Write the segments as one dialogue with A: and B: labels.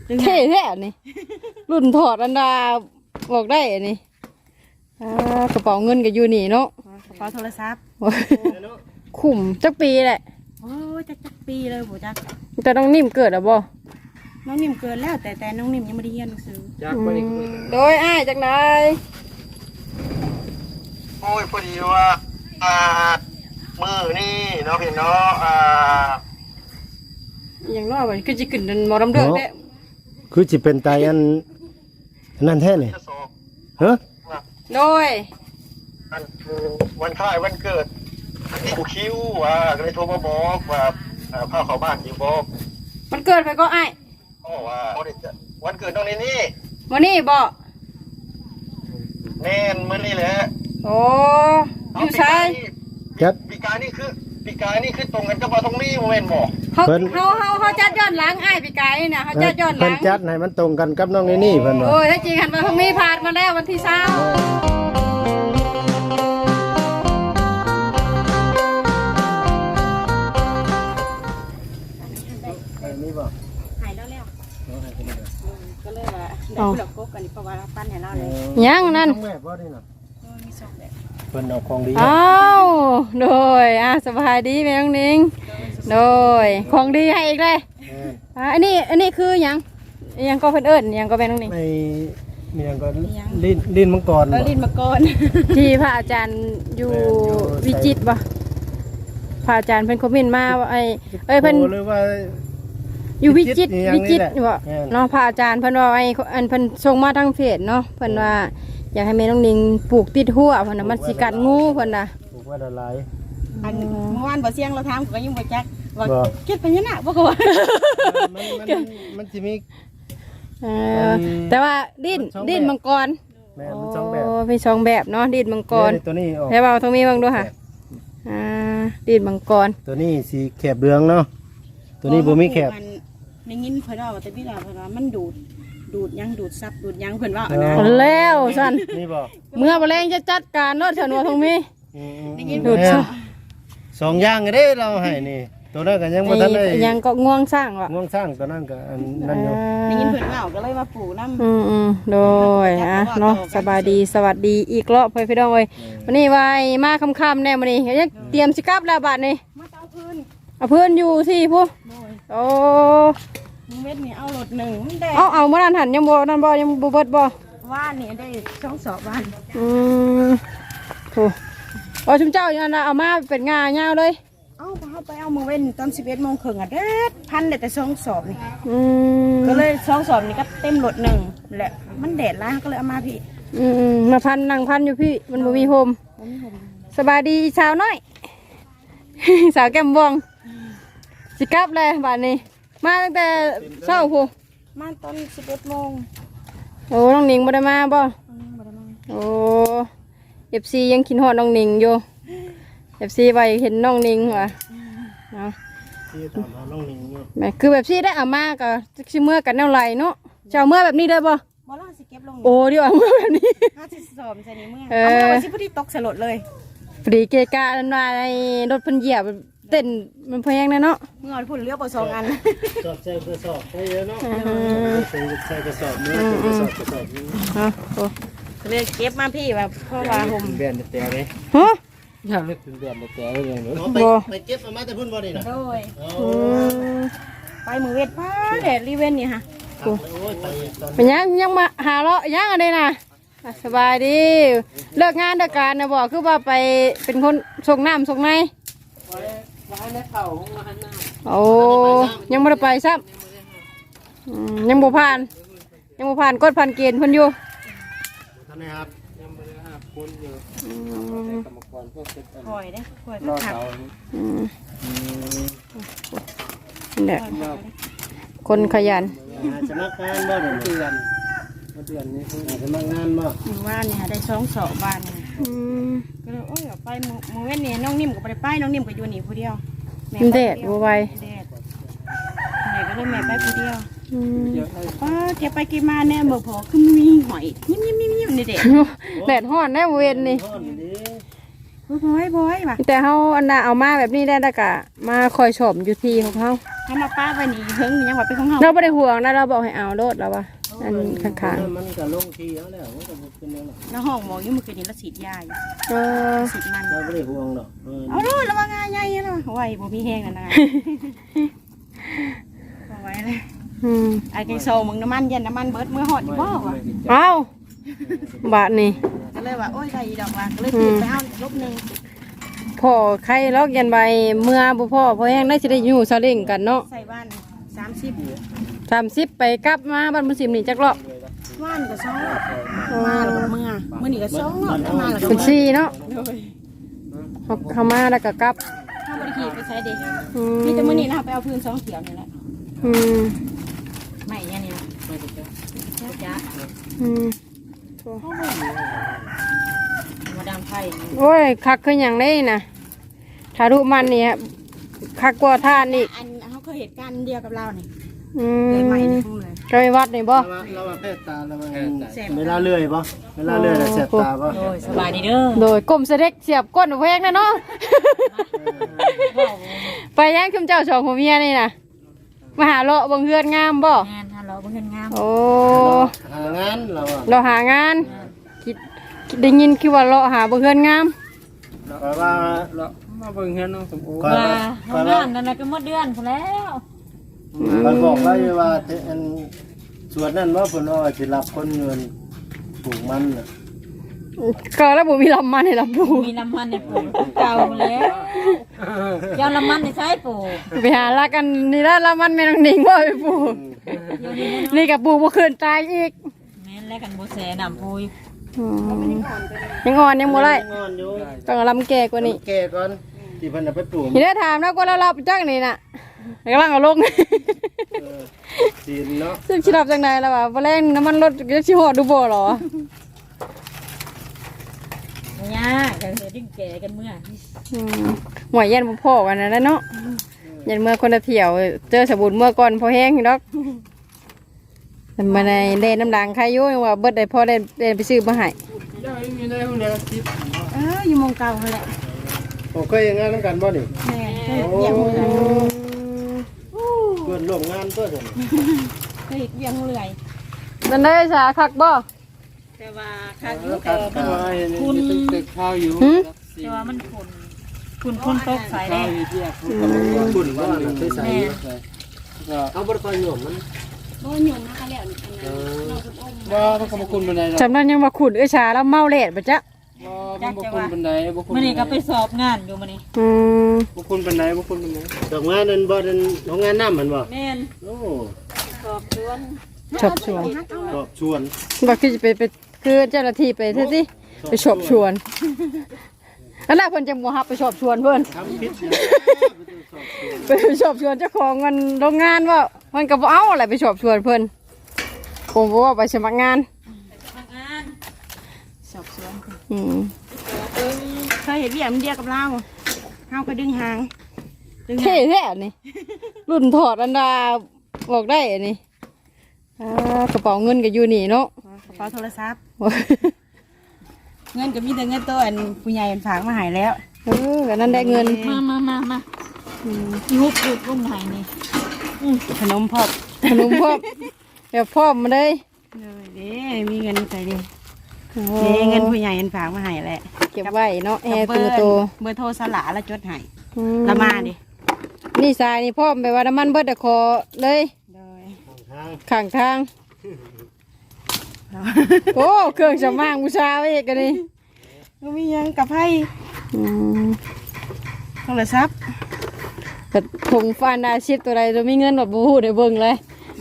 A: เท่แท้นี่รุ่นถอดอันดาบอกได้นี่กระเป๋าเงินก็อยู่นี่เนาะ
B: กระเป๋าโทรศัพท์
A: คุ้มจักปีแหละ
B: โอ้จักปีเลยผู้จัก
A: แต่น้องนิ่มเกิดอ่ะบ่
B: น้องนิ่มเกินแล้วแต่น้องนิ่มยังไม่ได้เรียนหนังสือ
A: โดยอ้ายจากไหน
C: โอ้ยพอดีว่ามือนี่เนาะพี่เนาะ
A: อย่างน้อยมันคือจะขึ้นมอลำเดือดแท้
D: คือจะเป็นไตอันนั่นแท้เลยฮะ
A: โดย
C: วันคล้ายวันเกิดที่กูคิวก็เลยโทรมาบอกว่าพาเข้าบ้านอยู่บอก
A: มันเกิดไปก็อ้าย
C: ว่าวันเกิดน้องนี่
A: วันนี้บ่
C: แน่นมื้อนี้แหละ
A: โอ้อยู่ใช่
C: ปีกายนี่คือตรงกันกับว่าตรงนี้โมเมนต์บ่
A: เขาจัดย้อนหลังอ้ายปีกายเนี่ยเขาจัดย้อนหลัง
D: เพิ่นจัดให้มันตรงกันกับน้องนี่เพิ่นว่า
A: โอ้ยถ้าจริงหันมาตรงนี้ผ่านมาแล้ววันที่20
D: นี่บ่
B: หายแล้วก็เลยว่าได้ผู้หลักกบกันเพราะว่าปั้นให้เราเลย
A: ยังนั่น
D: แม่บ่นี่น่ะ
B: มี2แบบ
D: เพิ่นเอาของดี
A: อ้าวโดยสบายดีแม่น้องนิ้งโดยของดีให้อีกเลยอันนี้คือยังก็เพิ่นเอิ้นยังก็แม่น้องนิ้ง
D: ไม่มียังก็ลิ้นมังกร
A: ลิ้นมังกรที่พระอาจารย์อยู่วิจิตรบ่พระอาจารย์เพิ่นคอมเมนต์มาว่าเพิ่น
D: หรือว่า
A: อยู่วิจิตรบ่เนาะพระอาจารย์เพิ่นว่าอันเพิ่นส่งมาทางเพจเนาะเพิ่นว่าอยากให้แม่น้องนิงปลูกติดหัวเพิ่นน่ะมันสิกัดงูเพิ่นน่ะ
D: ปลูกไว้ละลาย
B: อันเมื่อวานบ่เสียงเราถามก็ยังบ่จักว่าเก็บไปยังน่ะบ่ก็ว่า
D: มันสิมี
A: แต่ว่าดิ้นมังกร
D: แม่มัน2แบบ
A: มี2แบบเนาะดิ้นมังกร
D: ตัวนี้ออก
A: แล้วเอาตรงนี้บ้างดูค่ะดิ้นมังกร
D: ตัวนี้สีแคบเรืองเนาะตัวนี้บ่มีแคบ
B: ได้ยินเพิ่นว่าแต่พี่ดาเพิ่นว่ามันดูดยังดูดซับดูดยังเพิ่นว่า
A: นะแล้วซั่น
D: นี่บ่
A: เมื่อบ่แรงจะจัดการเนาะเถินว่าตรงนี้
D: ดูด2อย่างเด้เราให้นี่ตัวนั้นก็ยังบ่ทันได้
A: ยังก็ง่วงสร้างว่ะ
D: ง่วงสร้างตัวนั้นก็อันนั้นอยู่
B: ได้ยินเพิ่นว่าก็เลยมาปลูกน
A: ำโดยเนาะสบายดีสวัสดีอีกรอบเพิ่นพี่น้องเอ้ยวันนี้ไว้มาค่ำๆแน่มื้อนี้ยังเตรียมสิกลับแล้วบัดนี้
B: มาเอาพื้น
A: อยู่ที่ผู้โอ้
B: เม็ดนี่เอารถ1มันได้
A: เอาเมื่อนั้นหันยังบ่นั่นบ่ยังบ่เบิดบ่
B: ว่านนี่ได้2 สอบว่าน
A: โอ้ชุมเจ้าอย่างนั้นเอามาเป็นงาเงาเลย
B: ไปเอามือเว้นตอน11:30เด็ดพันได้แต่2 สอบนี่ก็เลย2 สอบนี่ก็เต็มรถ1แหละมันแดดร้ายก็เลยเอามาพี่
A: มาพันนั่งพันอยู่พี่มันบ่มีโฮมสบายดีสาวน้อยสาวแก้มบวงสิกลับเลยบ้านนี้มาตั้งแต่เช้าพู
B: มาตอน11:00 น.
A: โอ้น้องหนิงบ่ได้มาบ่โอ้FC ยังคิดฮอดน้องหนิงอยู่ FC ไว้เห็นน้องหนิงว่ะเนาะ
D: ที่ตามหาน้องหนิงอยู่
A: แม่คือแบบซี่ได้เอามาก็สิเมื่อกันแนวไหลเนาะจะเอาเมื่อแบบนี้ได้บ่
B: ล่ะสิเก็บลง
A: โอ้เดี๋ยวเอาเมื่อแบบนี้
B: 50 สอบใส่นี่เมื่อเอาเมื่อสิพอดีตกสลดเลย
A: พอดีเกกะอันว่าไอ้รถเพิ่นเหยียบเต้นมันแพงนะเนาะ
B: เมื่อพุ่นเลี้ยวไป2 อัน
D: สอบใส่กระสอบไปเยอะเนาะใส่กระสอบเนื้อกระสอบนี้
B: เลยเก็บมาพี่แบบเพราะว่าผม
D: แบนแต่เลย
A: ฮะ
D: อยากเลือกถึงแบนแต่เลยเนาะไปเก็บมาแต่พุ่นบ่นี่น่ะ
B: โดยไปมือเวทพาแดดรีเวนนี่ฮะ
A: เป็นยังมาหาเลาะยังอะไรน่ะสบายดีเลิกงานเลิกการนะบอกคือว่าไปเป็นคนส่งน้ำส่งในโอ้ยังไม่ได้ไปซ้ำยังบ่ผ่านกดผ่านเกณฑ์เพิ่นอยู่
D: ท่านนะครับยังไม่ได้หาคนอยู่กรรมกรพวกเซ็ต
B: คอยได้คอยขับ
A: เนี่ยคนขยัน
D: สมัครงานบ่เดือนนี้สมัครงานบ่
B: ว่านเนี่ยได้2 สอบบ้านก็เลยโอ้ยไปมือเว้นนี่น้องนิ่มก็ไปน้องนิ่มก็อยู่นี่ผู้เดียว
A: แดดบัวไว
B: แม่ก็เลยแม่ไปผู้เดียวก็เที่ยวไปกี่มาเนี่ยเมื่อพอคือมีหอยยิ้มนี่เด็ก
A: แดดฮ้อนแน่เวนนี่
B: บ่อยว่ะ
A: แต่เขาอันน่ะเอามาแบบนี้ได้แล้วก็มาคอยชมอยู่ที่ของเขา
B: ให้มาป้าไปนี่เฮิงยังว่าเป็นของเฮา
A: เราไม่ได้ห่วงนะเราบอกให้เอาโลดแล้ววะอันข้าง
D: มันก็ลงที่แล้วแล้วมันก็บ่เป็นแล้ว
B: แล้วห้องหมออยู่เมื่อคืนนี้เราฉีดยาอยู่
A: ๆ
B: ฉีดมัน
D: เราบ่ได้ห่วงดอก
B: เอาลูกระวังงาใหญ่เนาะไว้บ่มีแห้งนั่นนะเอาไว้เลย ไอ้แกงโซมึงน้ำมันเย็นน้ำมันเบิดมือหอดอยู่บ่วะ
A: เอาบาทนี่
B: ก็เลยว่าโอ้ยใส่ดอกว่าก็เลยปิดไปเอาลบหนึ่ง
A: พ่อใครล็อกยันใบเมื่อบ่พ่อพอแห้งได้สิได้อยู่ซาเล้งกันเนาะ
B: ใส่บ้าน30
A: 30ไปกลับมาบ้านมุสิมนี่จักรอบ
B: ว่านก็ซ้อมาแล้วก็เมื่อนี่ก็ซ้อมาแล้วก็
A: เป็นซี่เนาะเขามาแล้วก็กลับ
B: ถ้าบริขีไปใช้เด็ก
A: อื
B: มีแต่มื้อนี้นะคะไปเอาพื้น2เขียวนี่แหละ
A: อืม
B: ไม่เนี่ยนี่นะจ้า
A: อืม
B: มาดามไผ่
A: โอ้ยคักคืออย่างนี้นะถ้ารูมันนี่ฮะคักกว่าท่านนี่
B: อันเขาเคยเหตุการณ์เดียวกับเรานี่
A: อื
B: เลยใหม่
A: ม
B: ในห้องเลย
A: ก็ไปวัดนี่บ่
D: เราว่าแพทย์ตาเราว่าเวลาเลื่อยบ่เวลาเลื่อยแล้วแสบตาบ่
B: โอ้ยสบายดีเด้อ
A: โดยกลมเสด็จเสียบก้นแพงนะเนาะไปย่างคุมเจ้าสองผัวเมียนี่นะมาหาเลาะเบังเฮือนงามบ่
B: งานฮัลโหลบ่เห็นงาม
A: โอ้
D: หางานเราอ่ะ
A: เราหางานคิดได้ยินคือว่าเลาะหาเบังเฮือนงาม
D: แปลว่า
E: มาเบิ่งเฮือนน้องสมโอ
D: ก่อน
B: ว่า
D: ก่อน
B: งานนั่นน่ะก็หมดเดือนพุ่นแล้ว
D: มันบอกไว้ว่าอันส่วนนั้นว่าเพิ่นว่าสิรับคนเงินปลูกมันน่ะ
A: ก็แล้วบ่มีลำมันให้ลำปู
B: มีน้ำมันในปลูกเก่าแล้วยาวน้ำมันในใช้ปลูก
A: ไปหาลักกันนี่ละลำมันแม่นางนิงบ่ไปปู
B: เดี๋ยวนี้
A: นี่กับปูบ่คืนตายอีก
B: แม่นแล้วกันบ่แสน้ำปุย
A: ยังอ่อนยังบ่ได้
D: งอนอยู่
A: ต้องเอาลำแก่กว่านี้
D: แก่ก่อนที่เพิ่นเอาไปปลูก
A: ทีนี้ถามแล้วก็เรารับจักนี่น่ะกำลังเอาลง
D: จีนเนาะ
A: ซึ่งชิรับจังไดแล้วว่าบ่แรงน้ำมันรถจะสิฮอดดูบ่หรอ
B: เนี่ยก็เฮ็ดดึงแก่กันเมื่อ
A: หวยเย็นบ่พอกันนั่นแหละเนาะยันเมื่อคนละเที่ยวเจอสบู่เมื่อก่อนพอแห้งอยู่ดอกแต่มาในเล่นน้ำดังใครอยู่ยังว่าเบิดได้พอได้ไปซื้อมาให้
E: มีได้ห้องเดียวสิบ
B: อยู่มงเก่าหั่นแหละ
D: ผมเคยงานนำกันบ่นี่
B: แม่เคยเวียงเรื่อย
D: เพิ่นร่วมงานเพิ่น
B: เคยเวียงเรื่อย
A: นั่นได้สาคักบ่
B: แต่ว่าครั้งนี้
D: ครับ
B: แต่
E: ว่าเห็นตึกข้าวอยู่
B: แต่ว่ามันคุณตกใส่
E: ข้า
B: ได้
E: วอยู่ที่อ่ะ
D: คุณว่าน่ะเคยใส่
E: ก็
D: เอาบ่ได้ค่อยหย่อมมัน
B: บ่หยุ่งนะคะแล้วอันนั้นน้องคุณอม
E: ว่ามันก็บ่คุณบันไดหรอก
A: จำนั้นยังว่าขุดชาแล้วเมาเละบ่จ๊ะ
E: ว่ามันบ่คุณบันไดบ่คุณ
B: มื้อนี้ก็ไปสอบงานอยู่มื้อนี้
A: อืม
E: บ่คุณบันไดบ่คุณบันได
D: ดอกงานนั้นบ่นั้นโรงงานน้ำมันบ่
B: แม่น
D: โอ้
B: สอบสวน
A: ชอบชวน
D: ดอกชวน
A: บอกคือจะไปคือเจ้าหน้าที่ไปเท่าสิไปชอบชวนแล้วแรกเพิ่นจะบ่ฮับไปชอบชวนเพิ่น
D: ทำผิด
A: ไปชอบชวนเจ้าของเงินโรงงานว่ามันก็บ่เอาอะไรไปชอบชวนเพิ่นผมบอกว่าไปสมัครงาน
B: งานสอบสวน
A: อืม
B: เคยเห็นเบี้ยมันเดียวกับเราเฮาก็ดึงหางดึง
A: เท่แท้นี่รุ่นถอดอันดาบอกได้อันนี้กระเป๋าเงินก็อยู่นี่เนาะ
B: กระเป๋าโทรศัพท์เงินก็มีแต่เงินตัวอันผู้ใหญ่ฝากมาให้แล้ว
A: ก็นั่นได้เงิน
B: มายุบรุ่นไหนนี่ขนมพอบ
A: ขนมพวกเดี๋ยวพ่อมาเลย
B: เด้มีเงินใส่ดินี่เงินผู้ใหญ่ฝากมาให้แหละ
A: เก็บไว้เนาะแอร์
B: เบ
A: ตัว
B: อร์
A: โต
B: เบอร์โทรสละแล้วจดให้
A: อื
B: ละมาดิ
A: นี่ทรายนี่พ่อไปว่าน้ำมันเบิดแต่คอเลย
B: โดย
A: ข้างทาง โอ้เครื่องสำอางบูชาไว้อีกกันนี่
B: ก็มียังกับไพ่
A: อืม
B: โทรศัพท์
A: แต่ผงฟานดาชิดตัวใดจะมีเงินหมดบูฮูได้เบิ่งเลย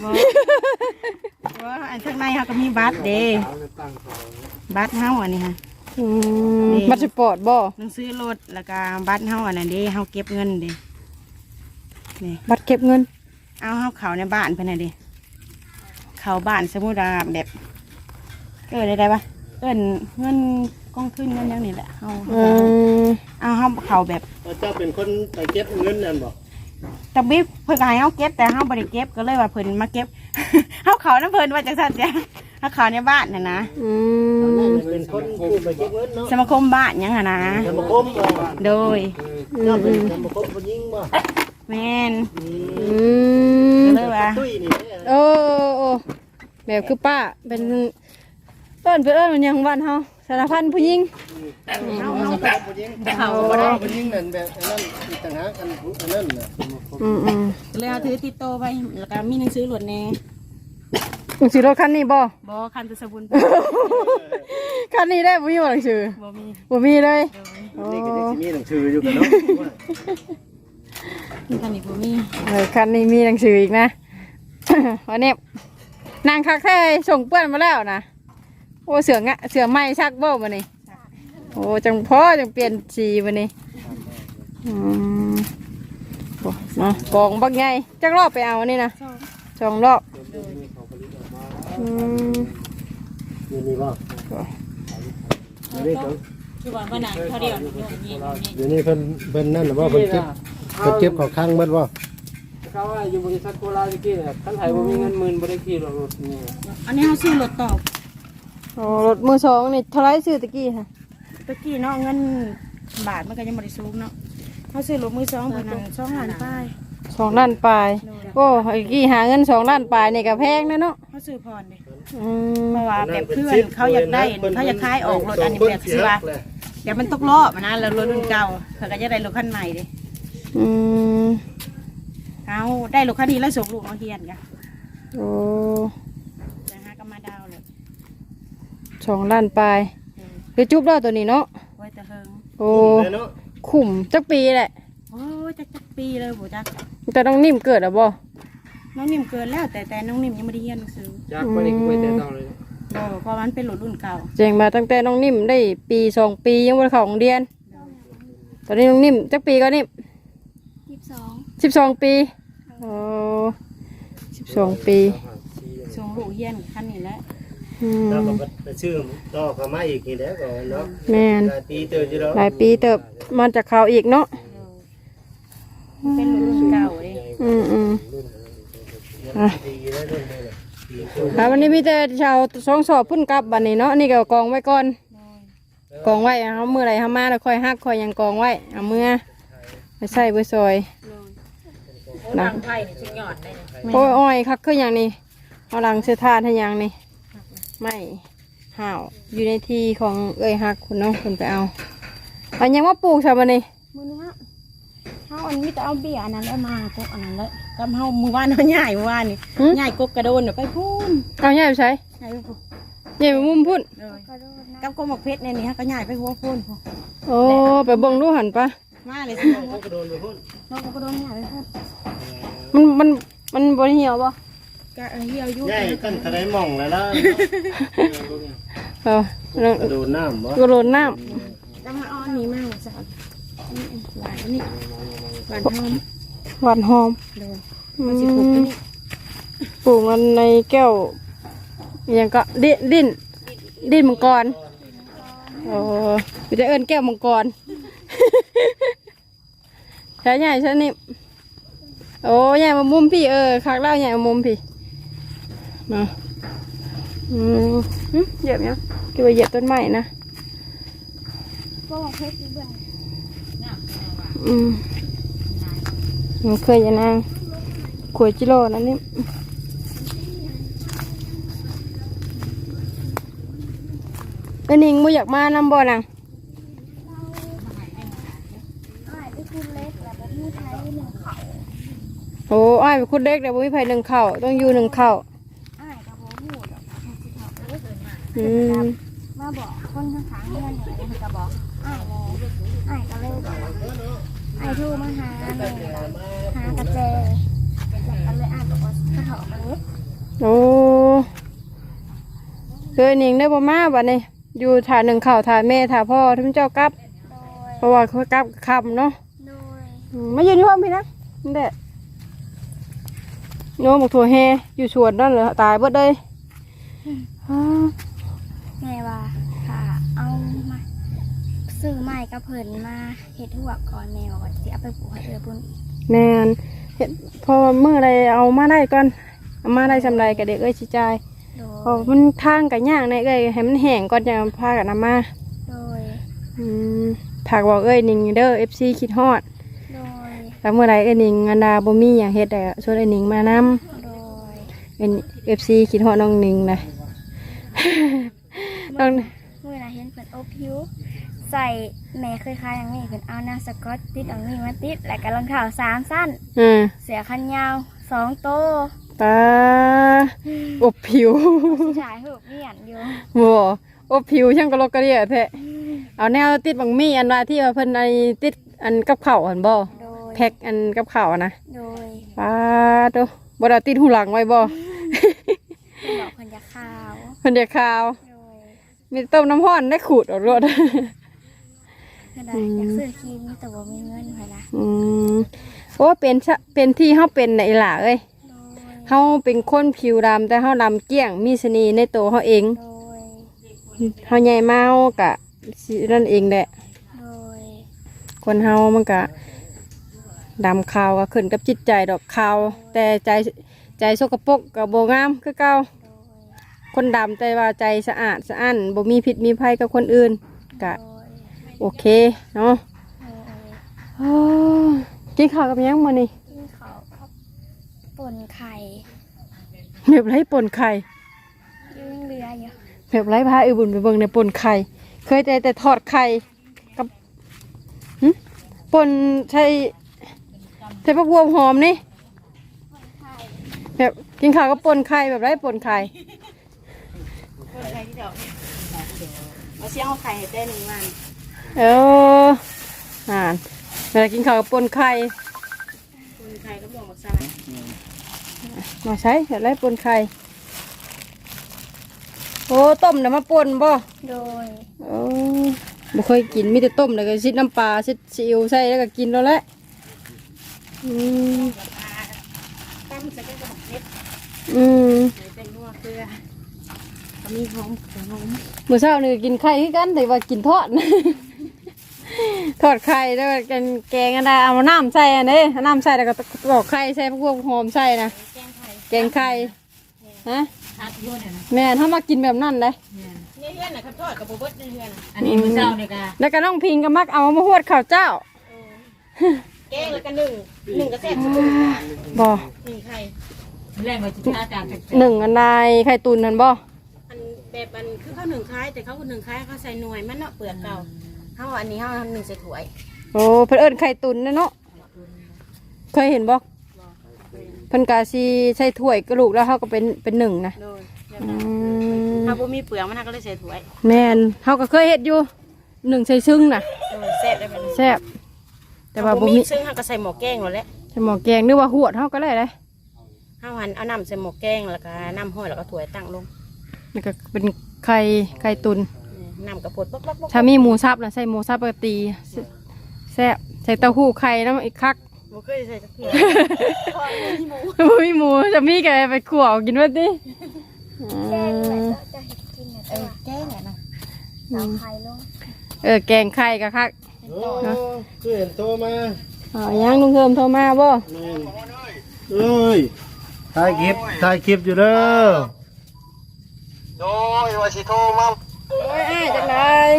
B: ว่าอันข้างในเขาก็มีบัตรเด้บัตรเฮาอันนี้ฮะ
A: อืมบัตรสปอร์ตบ่
B: หนังสือรถแล้วก็บัตรเฮาอันนั้นเด้เฮาเก็บเงินเด้นี่
A: บัตรเก็บเงิน
B: เอาเฮาเข้าในบ้านเพิ่นน่ะเด้เข้าบ้านสมมุติว่าแบบได้ปะเอิ้นเงินกองทุนเงินอย่างนี้แหละเฮา
A: อืม
B: เอาเฮาเข้าแบบ
D: เจ้าเป็นคนไปเก็บเงินนั่นบ่
B: ตะบิเพิ่นก็ให้เฮาเก็บแต่เฮาบ่ได้เก็บก็เลยว่าเพิ่นมาเก็บ เฮาเข้านำเพิ่นว่าจังซั่นจ้ะเฮาเข้าในบ้านน่ะนะ
A: อืม
D: เป็นคนผู้ไปเก็บเงินเนาะ
B: สมาคมบ้านหยังหั่นนะ
D: สมาคมบ่
B: โดย
D: เจ้าเป็นสมาคมผู้หญิงบ่
B: แม่น
A: ม
B: เลยว่า
D: ตุ้ยนี่
A: โอ้แบบคือป้าเป็นเอิ้นมันยังบ้านเฮาสารพันผู้หญิง
D: เอาแบบผู้หญิงเอาแบบผู้หญิงนั่นแบบอันนั้นอีกต่างหากอันนั้นน่ะ
A: อืม
B: เลยเอาถือติดโตวไปแล้วก็มีหนังสือหลวดแน่
A: หนังสือรถคันนี้บ่
B: บ่คันตะสบุน
A: คันนี้ได้บ่มีบ่หนังสือ
B: บ่มี
A: บ่มีเลย
D: นี่ก็จะมีหนังสืออยู่กันเนาะ
B: คันนี้บ่มี
A: คันนี้มีหนังสืออีกนะ วันนี้นางคักแท้ส่งเปื้อนมาแล้วนะโอ้เสือไหม้ชักบ่มานี่โอ้จังเปลี่ยนสีมานี่โอ้เนาะกองบักไงจักรอบไปเอาอันนี่นะ2 รอบ
D: นี่บ่นี่ก็
B: คือว่าวันนั้นเขาเดียวนี่
D: เดี๋ยวนี้เพิ่นนั่นน่ะว่าเพิ่นเก็บของข้างเบิดบ่
E: เขาว่าอยู่บริษัทโคราชตะกี้เนี่ยคันไทยบ่มีเงินหมื่นบ่ได้ขี่รถนี่
B: อันนี้เฮาซื้อรถตอบ
A: โอ้รถมือ2นี่เท่าไรซื้อตะกี้ค่ะ
B: ตะกี้เนาะเงินบาทมันก็ยังบ่ได้สูงเนาะเฮาซื้อรถมือ2เพิ่นนั้น2ล้านป้าย
A: 2 ล้านปลายโอ้ไอ้กี้หาเงิน2 ล้านปลายนี่ก็แพงนะเนาะ
B: เฮาซื้อผ่อนเด้
A: อืม
B: เพราะว่าแบบเพื่อนเขาอยากได้เขาอยากขายออกรถอันนี้แบบสิว่าเดี๋ยวมันตกรอบนะแล้วรถรุ่นเก่าเขาก็จะได้รถคันใหม่เด้
A: อืม
B: เอาได้รถคันนี้แล้วส่งลูกมาเฮียนกัน
A: โอ้
B: นะฮะก็มาดาวเลย
A: 2 ล้านปลายคือจุบแล้วตัวนี้เนาะ
B: ไว้แต่เฮิง
A: โอ้ขุมจักปีแหละ
B: โอ้ยจักปีเลยโหจัก
A: แต่ต้องนิ่มเกิดอ่ะบ่
B: น้องนิ่มเกินแล้วแต่น้องนิ่มยังไม่ได้เรียนหนังสือ
E: จากไปนี่ก็ไปแต่ต้องเลย
B: เพราะมันเป็นรถรุ่นเก่า
A: แจ้งมาตั้งแต่น้องนิ่มได้ปี2 ปียังบ่ได้เข้าโรงเรียน ตอนนี้น้องนิ่มจักปีก็นิ่ม12 ปีโอ้12 ปี
B: ส่งลูกเฮียนคันนี้แหละ
A: อืม
D: แล้วก็ไปซื้อต่อเข้ามาอีกนี่แหละก็เนาะ
A: แม่น
D: หลายปีเติบอยู่แล้ว
A: หลายปีเติบมาจากเขาอีกเนาะ
B: เป็นรถรุ่นเก่าเลย
A: อืมอ่ะ
D: ดีแล้วเรื่องนี้แหละดี
A: วันนี้มีแต่ชาวสองสอบพุ่นกลับบัดนี้เนาะนี่ก็กองไว้ก่อนกองไว้เอามือไหลเอามาแล้วค่อยหักค่อยยังกองไว้เอามือไปใส่ไปซอยหลัง
B: ไผ่นี่ชิ้นหยอดได้
A: โอ้ยอ้อยคักคืออย่างนี้เอาหลังเสื้อทานให้อย่างนี้ไม่ห่าวอยู่ในที่ของเอ้ยฮักคุณเนาะคุณไปเอาอันยังว่าปลูกใช่ปะนี่
B: มือนึงฮะเฮาอันนี้จะเอาเบี้ยอันนั้นแล้วมาก็อันนั้นแล้วกำเฮามือวานเฮาใหญ่มือวานนี่ใหญ่กกกระโดนเดี๋ยวไปพูน
A: เอาใหญ่ไปใช้
B: ใหญ่ไปพูน
A: ใหญ่ไปมุมพุ่น
B: เลยกับกบหมกเพชรเนี่ยนี่ฮะก็ใหญ่ไปหัวพูน
A: โอ้ไปเบิ่งดูหันปะ
B: มาเลยสิน้อง
D: กระโดนไปพุ่น
B: น้องก็โดนใหญ่ไปพูน
A: มันบริเหี่ยวปะ
B: กะเหี่ยวอยู่
D: ใหญ่ตั้งแต่ได้มองแล้วล่ะ
A: เออก
D: ระโดดน้ำบ่
A: กระโดดน้
B: จะมาอ้อนนี้มากจ้ะนี่หวานนี่หวานหอม
A: ำหวานหอม
B: เลย
A: อื
B: มันสิปลูก
A: ม
B: นี่
A: ปลูกมันในแก้วอหยังก็ดิ้นมังกรโอ้ไปจะเอิ้นแก้วมังกร ใช่ใหญ่ใช่นี่โอ้ใหญ่มามุมพี่คักเล่าใหญ่มามุมพี่มาเหยียบยังคิดว่าเหยียบต้นไม้นะมันเคยจะนางขวดจิโร่นั่นนี่เอ็นิงมูอยากมานำบ่อนังโอ้อ้ายเป็นคนเล็กแต่บ่มีไผหนึ่งเข่าต้องอยู่หนึ่งเข่า
F: มาบอกคนข้างๆเพื่อนเนี่ยมันก็บอกอ้ายเลยอ้ายก็เลยบอกอ้ายโทรมาหาแม่หากระเจแล้วก็เลยอ้ายบอกว่ากระเถาะกันนิด
A: โอ้เคยหนิงได้บ่มาบัดนี้อยู่ถ่าหนึ่งเข่าถ่าแม่ถ่าพ่อท่านเจ้ากลับ
F: โดย
A: เพราะว่าเขากลับคำเนาะ
F: โดย
A: มายืนที่ห้องพี่นะนี่แหละโน้บอกถั่วแฮอยู่สวนนั่นเหรอตายเบิดเลยอ้า
F: แม่ว่าค่ะเอามาซื้อไม้กระเพิ่นมาเฮ็ดหัวก่อนแม่บอกว่าสิเอาไปปลูกให้พุ่นอีก
A: แม่นเห็นพอเมื่อไรเอามาได้ก่อนเอามาได้สำไรกับเด็กชิจาย
F: โด
A: พอย มันทางกับย่างในให้มันแห้งก่อนจะพากันนำมา
F: โดย
A: ถากบอกนิ่งเด้อ FC คิดฮอด
F: โดย
A: แต่ถ้าเมื่อไรเอ็นิงอันดาบ่มีหยังเฮ็ดได้ชวนเอ็นิงมานำ
F: โดย
A: เป็น FC คิดฮอดน้องนิงนะ น้อง
F: เมื่อเห็นเพิ่นอบผิวใส่แม่เคยคายอย่างนี้เพิ่นเอาหน้าสก๊อตติดเอานี่มาติดแล้วก็รองเท้า3สั้น เสื้อคันยาว2โต
A: ตาอบผิว
F: ชายหูเมียนอยู่
A: บ่อบผิวช่างกะลกกะเดียแท้เอาแนวติดบังมี่อันว่าที่ว่าเพิ่นไอ้ติดอันกับข้าวหั่นบ่
F: โดย
A: แพ็คอันกับข้าวอะนะ
F: โดย
A: ปาโตบ่ได้ติดหูหลังไว้บ่
F: เพิ่นบอกเพิ่นจะข่าว
A: เพิ่นเดี๋ยวข่าว
F: โดย
A: มีต้มน้ำร้อนได้ขูดออกรถ
F: เพิ่นว่าอยากซื้อครีมแต่บ่มีเงินเพิ่นนะ
A: โอ้เป็นที่เฮาเป็นไหนล่ะเอ้ย
F: โดย
A: เฮาเป็นคนผิวดำแต่เฮาดำเกลี้ยงมีเสน่ห์ในตัวเฮาเอง
F: โดย
A: เฮาใหญ่มาเฮากะสินั่นเองแหละ
F: โดย
A: คนเฮามันกะดำขาวก็ขึ้นกับจิตใจดอกขาวแต่ใจสกปรกก็บ่งามคือเก่าคนดำแต่ว่าใจสะอาดสะอ้านบ่มีพิษมีภัยกับคนอื่นกะ
F: โดย
A: โอเคเนาะ
F: โดย
A: โอ้กินข้าวกับหยังมื้อนี้
F: กินข้าวกับป่นไข่
A: แบบไรป่นไข่
F: ยังเหลืออยู่
A: แบบไรพาอือบุญไปเบิ่งในป่นไข่เคยแต่ทอดไข่กับป่นใช่ผักบัวหอมนี่แบบกินข้าวกับป่นไข่แบบไรป่นไข่
B: คนไข่ที่เดียวเอาเสียงเอาไข่ให้ได้1 วัน
A: เออเวลากินข้าวกับป่นไข่
B: คนไข่ก็บอกซะ
A: มาใช้แบบไรป่นไข่โอ้ต้มเดี๋ยวมาป่นบ่
F: โดย
A: โอ้บ่เคยกินมีแต่ต้มแล้วก็ซิดน้ำปลาซิดซีอิ๊วใส่แล้วก็กินแล้วแหละ
B: ตั้งใส่กระบอกเล็บ ใส่เป็นนัวเกลือก็มีหอมหอม
A: มื้อเช้านี่กินไข่คือกันแต่ว่ากินทอด ทอดไข่แล้วก็แกงอันใดเอาน้ำใส่อันนี้เอาน้ำใส่แล้วก็ตอกไข่ใส่พวกหอมใส่นะแกงไข่ฮะแม่ถ้ามากินแบบนั้นเลย
B: เนี่ยเฮือนน่ะครับทอดกับบ่เบิดในเฮือนน่ะ
G: อันนี้มื้อเช้านี่ก็
A: แล้วก็น้องพิงก็มักเอามาหวดข้าวเจ้า
B: แกงแล้วก็1ก็แซ่บสุด
A: บ่
B: 1ไข่
G: แรงว่าสิพาอาจารย์จัก
A: หนึ่งอันใดไข่ตุนนั่นบ่
B: อันแบบอันคือเขา1คล้ายแต่เขาก็1คล้ายเขาใส่หน่วยมันเนาะเปลือกเก่าเฮาอันนี้เฮา1ใส่ถ้วย
A: โอ้เพิ่นเอิ้นไข่ตุนนะเนาะเคยเห็นบ่เพิ่นกะสิใส่ถ้วยกระลูกแล้วเฮาก็เป็นหนึ่งนะ
B: โดยแบบ
A: อื
B: นั้น
A: ม
B: ถ้าบ่มีเปลือกมันก็เลยใส่ถ้วย
A: แม่นเฮาก็เคยเฮ็ดอยู่หนึ่งใส่ซึ่งน่ะ
B: แซ่บได้แบบนี้
A: แซ่บแต่ว่าบ่มี
B: ซึ่งเฮาก็ใส่หม้อแกงแล้วแหละ
A: ใส่หม้อแกงหรือว่าหวดเฮาก็ได้เลย
B: เฮาหันเอาน้ำใส่หม้อแกงแล้วก็น้ำห้อยแล้วก็ถ้วยตั้งลง
A: นี่ก็เป็นไข่ตุน
B: น้ำกระปดป๊อกๆ
A: ถ้ามีหมูสับนะใส่หมูสับปกติแซ่บใส่เต้าหู้ไข่น้ำอีกคัก
B: ๆบ่เคยใส่จักเทื่อ
A: มีหมูจะมีแกไปขั่วเอากินว่าดิ
F: แกงเหมือนจะเห็ดกินนะตัว
B: แกงอ่ะนะ
F: สาวไข่ลง
A: แกงไข่กะคัก
D: โอ้คือเห็นโตมา
A: อ๋อยังลุงเทิมโทรมาบ่
D: เอ้ยถ่ายคลิปอยู่เด้อ
C: โดยว่าสิโทรมา
A: โอ้ยอ้ายจังได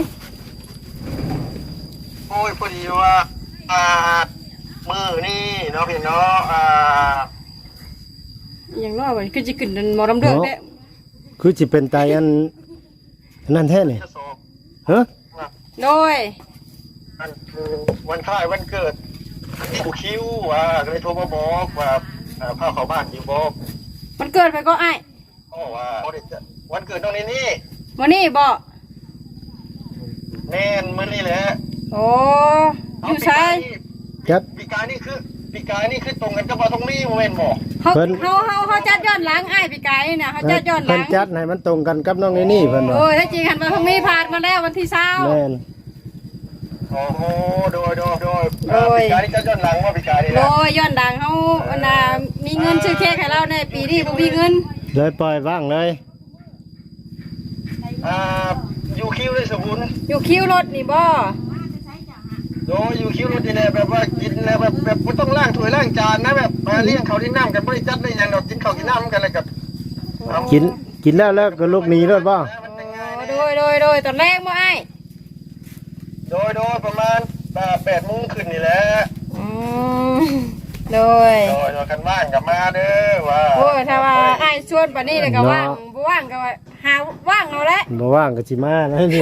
C: โอ้ยพอดีว่ามือนี่เนาะพี่เนาะ
A: อย่างน้อยมันคือจะขึ้นหมอลำเดือดแท้
D: คือสิเป็นไตอันนั่นแท้นี่
C: จะสอบ
D: ฮะ
A: โดย
C: อันวันคล้ายวันเกิดผู้คิวก็เลยโทรมาบอกว่าพาเข้าบ้านอยู่บอก
A: มันเกิดไปก็อ้าย
C: อ๋อว่าวันเกิดน้องนี่
A: วันนี้บ่
C: แน่นมื้อนี้แหละ
A: โอ้อยู่ไส
D: จัด
C: ปีกายนี่คือตรงกันกับว่าตรงนี้โมเมนต์บอก
A: เขาจัดย้อนหลังอ้ายพี่ไก่น่ะเขาจัดย้อนห
D: เพิ่
A: ลั
D: น
A: ง
D: จัดให้มันตรงกันกับน้องนี่เพิ่นว่า
A: โอ้ยถ้าจริงหันมาทางนี้ผ่านมาแล้ววันที่เช้า
D: แม่น
C: โอ้โหโดยปีกายนี่จะย้อนหลังว่าปีกายนี่
A: โด
C: นะ
A: ยย้อนดังเขาวันน่ะมีเงินซื้อเค้กให้เราในปีนี้บ่มีเงิน
D: เลยปล่อยว่างเลย
C: อยู่คิวเลยสมุน
A: อยู่คิวรถนี่บ่
C: โดยอยู่คิวรถนี่แหละแบบว่ากินแล้วแบบไม่ต้องล้างถ้วยล้างจานนะแบบมาเลี้ยงเขาที่น้ำกันบริจัดได้ยังเรากินข้าวกินน้ำกันเลยกับ
D: กินแล้วก็ลูกหนีรถบ่
A: โดยตอนแรกบ่ไอ้
C: โดยประมาณ8 โมงขึ้นนี่แหละ
A: อ๋อโดย
C: โดยกันว่างกับมาเด้อว่า
A: โอ้ยถ้าว่าไอ้ชวนปานนี้เลยก็ว่างบ่ว่างก็หาว่างเอาแหละ
D: บ่ว่างก็สิมานะนี่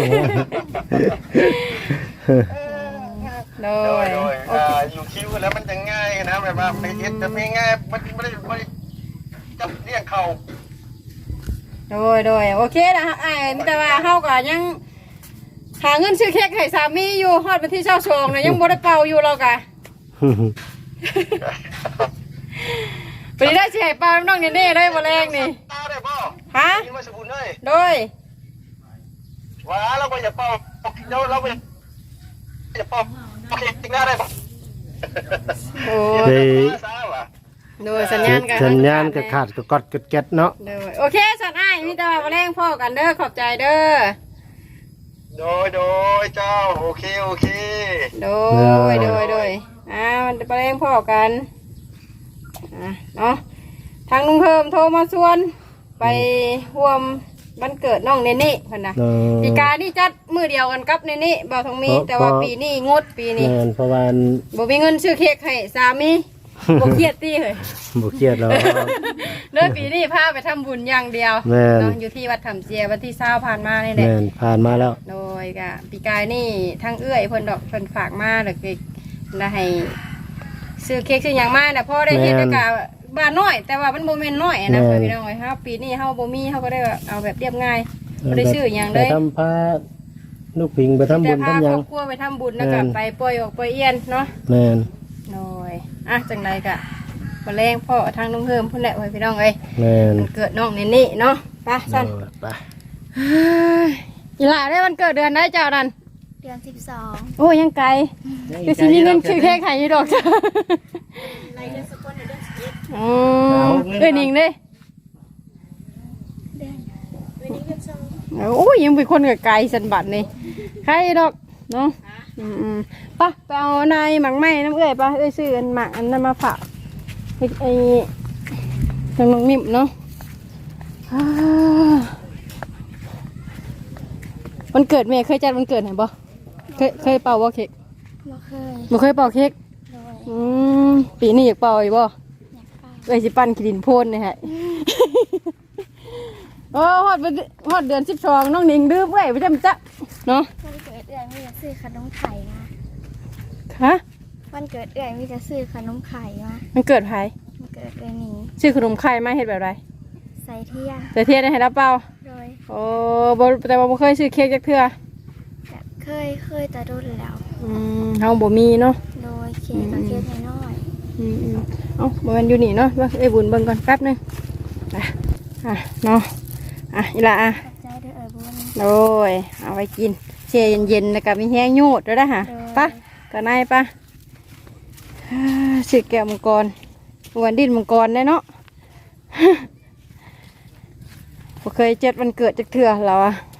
A: โด
C: โด
A: ย
C: ยอยู่คิวแล้วมันจะง่ายนะแบบว่าไม่เฮ็ดจะไม่ง่ายไม่ได้จับเรียกเขา
A: โดยโอเคนะไอ้แต่ว่าเฮาก็ยังหาเงินซื้อเค้กให้สามีอยู่ฮอดวันที่22น่ะยังบ่ได้เป่าอยู่เราก็ไปได้สิให้เป่าน้องเน่ๆได้บ่แรงนี่
C: ตาได้บ่
A: ฮะ
C: กินมาสกุลเลย
A: โดย
C: ว่าเราไปอย่าเป่าเราไปอย่าเป่าโอเคจริงได้บ่
A: โอ้
D: เฮ้ย
A: โดยสัญญาณกัน
D: สัญญาณก็ขาดก็กดก็แก๊ดเนาะ
A: โดยโอเคสันอ้ายมีแต่ว่าบ่แรงพ่อกันเด้อขอบใจเด้อ
C: โดยเจ้าโอเค
A: โดยมันไปเล่นพ่อกันเนาะทางลุงเพิ่มโทรมาชวนไปร่วมวันเกิดน้องเนนี่เพิ่นนะปีกานี่จัดมื้อเดียวกันกับเนนี่บ่ทองมีแต่ว่าปีนี้งดปีนี้
D: แม่นเพราะว่า
A: บ่มีเงินซื้อเค้กให้สามีบ่เครียดติเฮ้ย
D: บ่เครียดหรอก
A: เด้อปีนี้พาไปทำบุญอย่างเดียว
D: แม่น
A: เนาะอยู่ที่วัดถ้ำเจียวันที่20ผ่านมานี่แหละ
D: แม่นผ่านมาแล้ว
A: โดยกะปีกายนี่ทั้งเอื้อยเพิ่นดอกเพิ่นฝากมาเด็กๆได้ให้ซื้อเค้กซื้อหยังมาน่ะพ่อได้เฮ็ดแล้วก็บ้านน้อย แต่ว่ามันบ่แม่นน้อยนะพี่น้องเอ้ยเฮาปีนี้เฮาบ่มีเฮาก็ได้เอาแบบเรียบง่ายบ่ได้ซื้อหยังเลย
D: ไปทำพาลูกปิงไปทำบุญ
A: แต่พา
D: ทำห
A: ค
D: ยั
A: รง อบครัวไปทำบุญแล้วก็ไปปล่อยออกปล่อยเอียนเนาะ
D: แม่น
A: โดยจังไดกะบ่แรงพ่อทางน้องเพิ่มพุ่นแหละเว้ยพี่น้องเอ้ย
D: แม่น
A: มันเกิดน้องนี่เนาะไปซั่น
D: ไป
A: อีหล่าได้วันเกิดเดือนได้เจ้านั่น
F: เดือน
A: โอ้ยังไกลคือสิมีเงินซื้อเค้กให้อยู่ดอกจ้ะอ๋อเอ้ยนิ่งเด้โอ้ยยังเป็นคนกับไกลสันบัดนี่ใครดอกเนาะไปไปเอานายหมักไหม้น้ำเอ้ยไปเอ้ยซื้ออันหมักอันนั้นมาฝากไอ้ทางน้องนิ่มเนาะวันเกิดเมย์เคยจัดวันเกิดไหนบ่เคยเป่าบ่เค้ก
F: บ่เคย
A: บ่เคยเป่าเค้ก
F: โดย
A: ปีนี้อยากเป่าอีกบ่
F: อยากไป
A: เอ้ยสิปั้นขีดินโพนนี่ฮะ โอ้ฮอดเดือน12น้องนิงดื้อเว้ยไปจำจ๊ะเนาะ
F: วันเกิดเอื่อยมีแต่ซื้อขนมไข่มา
A: ฮะ
F: วันเกิดเอื่อยมีแต่ซื้อขนมไข่มา
A: มันเกิดไผ
F: วันเกิดเอื่อยหนิง
A: ชื่อขนมไข่มาเฮ็ดแบบไร
F: ใส่เทียน
A: แต่เทียนได้ให้รับเปล่า
F: โดย
A: โอ้บ่แต่ว่าบ่เคยซื้อเค้กจักเทื่อ
F: แบบเคยแต่โดนแล้ว
A: เฮาบ่มีเนาะ
F: โดยเค้กกับเค้กน้อย
A: เอ้าบ่แม่นอยู่นี่เนาะว่าเอ้ยบุญเบิ่งก่อนแป๊บนึงเนาะอีหล่ะ
F: ๆขอบใจเด้อเอ่ยบุญ
A: โอ้ยเอาไว้กินเชเย็นๆแล้วก็มีแห้งโยดด้วยนะฮะปะก็นายปะสิแก้วมังกรวันดินมังกรได้เนาะบ่เคยเจ็ดวันเกิดจักเทื่อเรา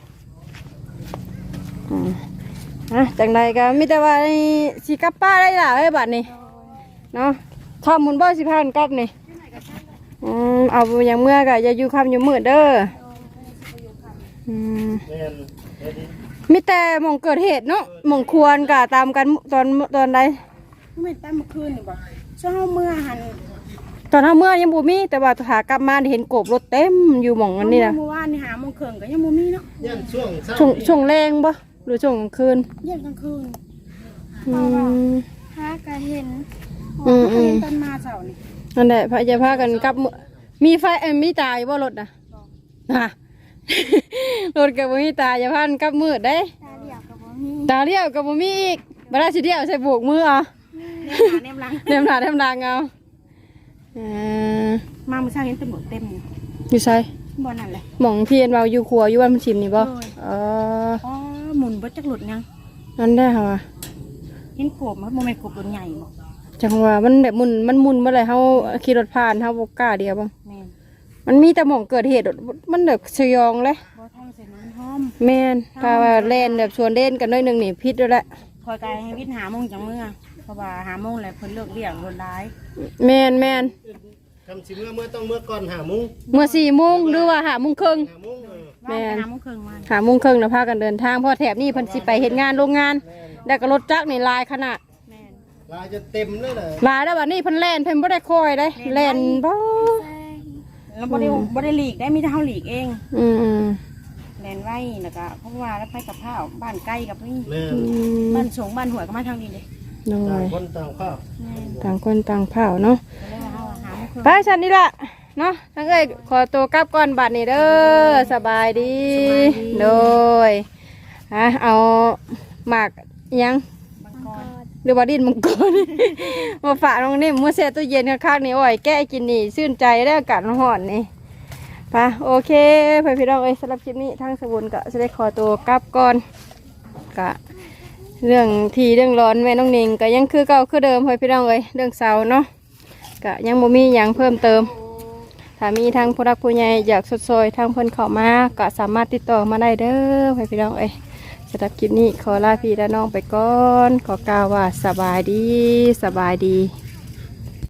A: จังใดก็มีแต่ว่าสิกลับป้าได้ล่ะเอ้ยบัดนี้เนาะข้ามมุนบ่สิพากันกลับนี่เอาอย่างเมื่อก็อย่าอยู่ค่ำอยู่มืดเด้อมีแต่หม่องเกิดเหตุเนาะหม่องควรกะตามกันตอนใด
B: ไม่ตามเมื่อคืนนี่บ่เช้าเมื่อหัน
A: ตอนเฮาเมื่อยังบ่มีแต่ว่าหากลับมาเห็นกบรถเต็มอยู่หม่องอันนี้นะ
B: เมื่อวานนี่หาโมงครึ่งก็ยังบ่มีเนาะ
D: ยันช่วงเช้า
A: ช่วงแรงบ่หรือช่วงกลางคืน
B: เย็นกลางคืน
F: ฮากะเห็น
B: เห็นตอนมาเช้านี่
A: นั่นแหละพะจะพากันกลับมื้อมีไฟมีตาอยู่บ่รถน่ะรถก็บ่มีตาอย่าพากันกลับมืดเด้
F: ตาเหลี่ยวกับบ่มี
A: ตาเลี้ยวก็บ่มีอีกบ่ได้สิเดียวใส่โบกมือเอา
B: เนมหลัง
A: เต็มหน้าเต็มหลังเอา
B: มาเมื่อเช้าเห็นตำรวจเต็มอยู่
A: อยู่ไส
B: บ่นั่นแหละ
A: หม่องเทียนเราอยู่ครัวอยู่บ้านมันชิมนี่บ่
B: โดย
A: อ๋อ
B: อ๋อหมุนบ่จักหลุดยัง
A: นั่นได้ค่ะ
B: เห็นกบมันบ่แม่นกบตัวใหญ่บ่
A: จังว่ามันแบบมุนเมื่อไรเฮาขี่รถผ่านเฮาบ่กล้าเดียวบ้าง
B: แม่น
A: มันมีแต่หม่องเกิดเหตุมันแบบสยองเลย
B: บ่ทางใส่น้ำหอม
A: แม่นถ้าว่าเล่นแบบชวนเล่นกันหน้อยหนึงนี่พิษแล้วแหละ
B: คอยกายให้วิทย์หาโมงจังเมื่อเพราะว่าหาโมงแล้วเพิ่นเลิกเลี้ยงรถร้าย
A: แม่น
D: คำสิเมื่อต้องเมื่อก่อน5 โมง
A: เมื่อ4 โมงหรือว่า5 โมงครึ่ง
D: 5 โมง
A: แม่น
B: หาโมงครึ่งมา
A: 5 โมงครึ่งนะพากันเดินทางเพราะแถบนี้เพิ่นสิไปเฮ็ดงานโรงงานแล้วก็รถจักรนี่ลายขนาด
B: แม่น
D: ลายจะเต็มเลยเลย
A: ลาแล้วบัดนี้เพิ่นแล่นเพิ่นบ่ได้คอยได้แล่นบ่
B: แล้วบ่ได้หลีกได้มีแต่เฮาหลีกเอง
A: อืม
B: แลนไว้แล้วก็เพราะว่าแล้วไปกับข้าวบ้านใกล้กับนี่
D: แม่น
B: บ้านสงบ้านหัวยก็มาทางนี้เด้
A: น้อ
D: ต่าง
A: ย
D: คนต่างข้าว
A: ต่างคนต่างเผาเนาะ
B: ก็เลยว่าเฮาหาไม่เคย
A: ไปฉันนี่ล่ะเนาะทั้งเอ้ยขอตัวกลับก่อนบัดนี้เด้อสบายดีโดยเอาหมากอิหยัง
B: บางกอน
A: หรือว่าดินมังกร มาฝากน้องนิ่มมือเสียตู้เย็นข้างๆนี่โอ้ยแก้กินนี่ชื่นใจได้อากาศร้อนนี่ไปโอเคเพื่อนพี่น้องเอ้ยสำหรับคลิปนี้ทางสบุนก็จะได้ขอตัวกลับก่อนกะเรื่องที่เรื่องร้อนแม่น้องนิงก็ยังคือเก่าคือเดิมเพื่อนพี่น้องเอ้ยเรื่องเสาเนาะก็ยังบ่มีอย่างเพิ่มเติมถ้ามีทางผู้รักผู้ใหญ่อยากสดซอยทางเพิ่นเข้ามาก็สามารถติดต่อมาได้เด้อเพื่อนพี่น้องเอ้ยสำหรับคลิปนี้ขอลาพี่และน้องไปก่อนขอกล่าวว่าสบายดี